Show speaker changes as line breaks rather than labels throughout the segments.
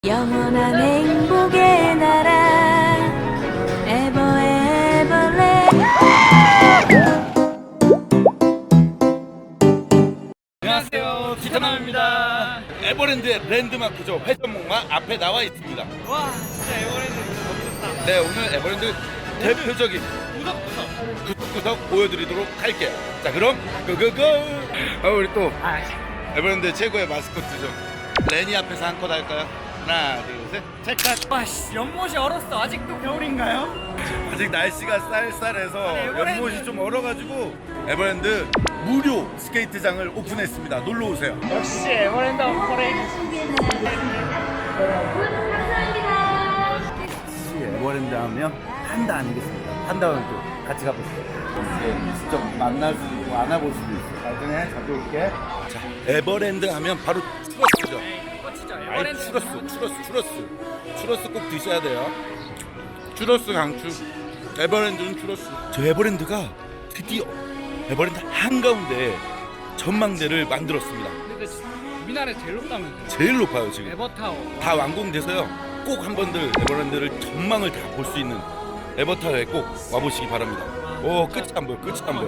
영원한 행복의 나라 에버레.
안녕하세요, 기타남입니다. 에버랜드의 랜드마크죠. 회전목마 앞에 나와 있습니다.
와, 진짜 에버랜드 너무 좋다.
네, 오늘 에버랜드 대표적인 구석구석 보여드리도록 할게요. 자, 그럼 고고고. 우리 또 에버랜드 최고의 마스코트죠. 레니 앞에서 한 컷 할까요? 하나, 둘, 셋, 찰칵.
와, 씨, 연못이 얼었어. 아직도 겨울인가요?
아직 날씨가 쌀쌀해서
아니, 에버랜드.
연못이 좀 얼어가지고 에버랜드 무료 스케이트장을 오픈했습니다. 놀러 오세요.
역시 에버랜드 어퍼레이.
에버랜드 하면 판다 아니겠습니까? 판다를 또 같이 가보시죠. 직접 만날 수도 있고 안아볼 수도 있어. 나중에 자주 올게. 자, 에버랜드 하면 바로 추러스죠.
진짜
아이,
에버랜드.
추러스 꼭 드셔야 돼요. 추러스 강추. 에버랜드는 추러스. 저 에버랜드가 드디어 에버랜드 한가운데 전망대를 만들었습니다.
근데 우리나라에 제일 높다면서요?
제일 높아요 지금.
에버타워.
다 완공돼서요. 꼭 한 번들 에버랜드를 전망을 다 볼 수 있는 에버타워에 꼭 와보시기 바랍니다. 오, 끝이 안 보여.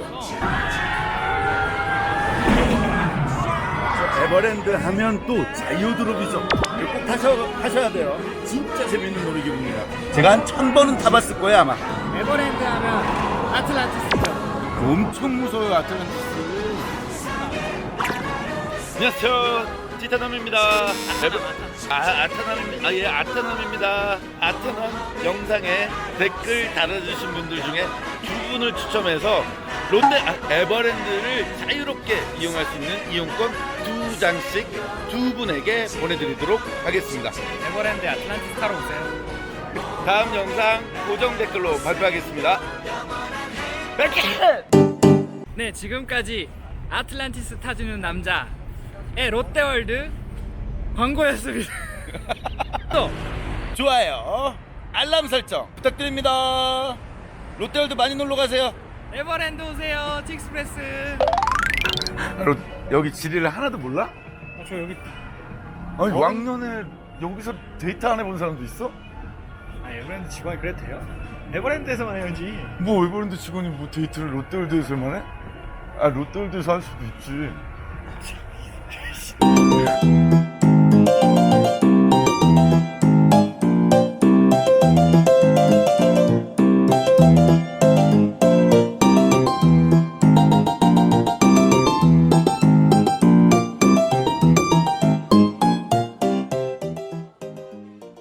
에버랜드 하면 또 자유드롭이죠. 이거 꼭 타셔야 돼요. 진짜 재밌는 놀이기구입니다. 제가 한 1000번은 타봤을 거예요 아마.
에버랜드 하면 아틀란티스죠.
엄청 무서워요 아틀란티스. 안녕하세요, 티타남입니다. 아타남입니다. 예, 아타남입니다. 아타남 영상에 댓글 달아주신 분들 중에 두 분을 추첨해서 에버랜드를 자유롭게 이용할 수 있는 이용권 2장씩 두 분에게 보내드리도록 하겠습니다.
에버랜드 아틀란티스 타러 오세요.
다음 영상 고정 댓글로 발표하겠습니다.
네, 지금까지 아틀란티스 타주는 남자의 롯데월드 광고였습니다. 또
좋아요, 알람 설정 부탁드립니다. 롯데월드 많이 놀러 가세요.
에버랜드 오세요. 틱스프레스.
여기 지리를 하나도 몰라?
저 여기.
아니 왕년에 여기서 데이트 안 해본 사람도 있어?
에버랜드 직원이 그래도 돼요? 에버랜드에서만 해야지.
뭐 에버랜드 직원이 뭐 데이트를 롯데월드에서만 해? 롯데월드에서 할 수도 있지.